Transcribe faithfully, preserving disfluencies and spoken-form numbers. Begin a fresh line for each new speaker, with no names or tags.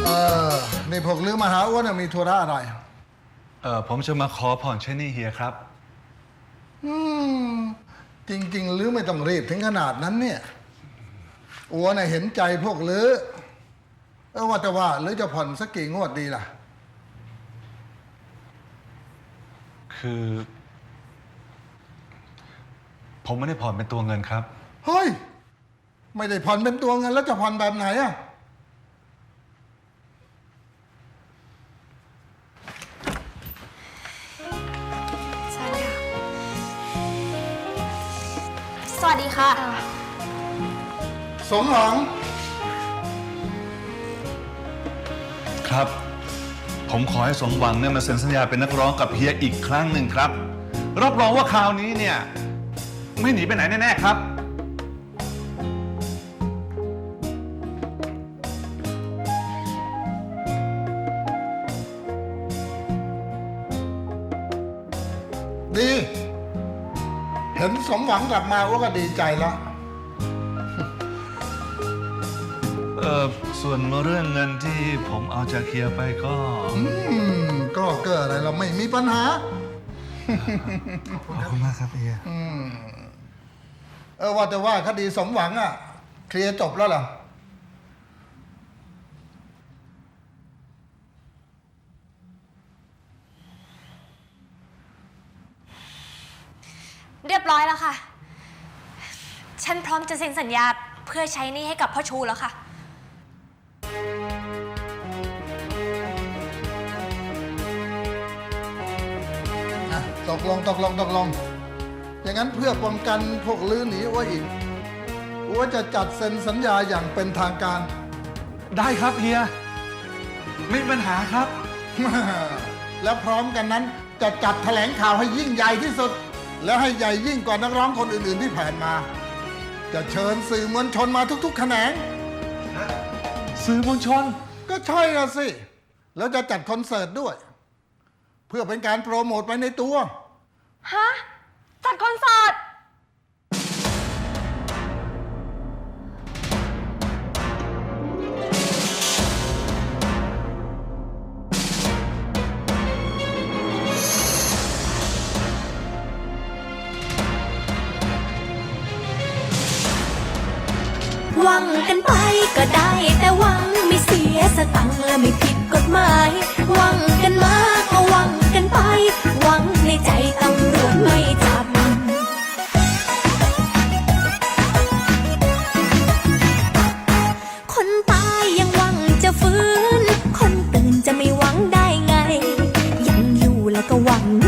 เออนี่พวกลือมาหาอ้วนมีธุระอะไร
เออผมจะมาขอผ่อนใช้หนี้เฮียครับ
อืมจริงๆลือไม่ต้องรีบถึงขนาดนั้นเนี่ยอ้วนเห็นใจพวกลือเออว่าแต่ว่าลือจะผ่อนสักกี่งวดดีล่ะ
คือ ผมไม่ได้ผ่อนเป็นตัวเงินครับ
เฮ้ยไม่ได้ผ่อนเป็นตัวเงินแล้วจะผ่อนแบบไหนอะ
สวัสดีค่ะ
สมหวัง
ครับ ผมขอให้สมหวังเนี่ยมาเซ็นสัญญาเป็นนักร้องกับเฮียอีกครั้งหนึ่งครับรับรองว่าคราวนี้เนี่ยไม่หนีไปไหนแน่ๆครับ
ดีเห็นสมหวังกลับมาว่าก็ดีใจแล้ว
เออส่วนเรื่องเงินที่ผมเอาจากเฮียไปก็
อืมก็เกิดอะไรเราไม่มีปัญหา
ขอบคุณมากครับเฮีย
อืมเออว่าแต่ว่าคดีสมหวังอ่ะเคลียร์จบแล้วเหรอ
เรียบร้อยแล้วค่ะฉันพร้อมจะเซ็นสัญญาเพื่อใช้หนี้ให้กับพ่อชูแล้วค่ะ
ตกลงตกลงตกลงอย่างนั้นเพื่อป้องกันพวกลื้อหนีอ้วอีกอ้วจะจัดเซ็นสัญญาอย่างเป็นทางการ
ได้ครับเฮียไม่มีปัญหาครับ
แล้วพร้อมกันนั้นจะจัดแถลงข่าวให้ยิ่งใหญ่ที่สุดแล้วให้ใหญ่ยิ่งกว่านักร้องคนอื่นๆที่ผ่านมาจะเชิญสื่อมวลชนมาทุกๆแขนง
สื่อมวลชน
ก็ใช่ละสิแล้วจะจัดคอนเสิร์ตด้วยเพื่อเป็นการโปรโมทไปในตัว
ฮะจัดคอนเสิร์ต
หวังกันไปก็ได้แต่หวังไม่เสียสตังค์และไม่ผิดกฎหมายหวังกันมาก็หวังกันไปหวังในใจตำรวจไม่จับคนตายยังหวังจะฟื้นคนตื่นจะไม่หวังได้ไงยังอยู่แล้วก็หวัง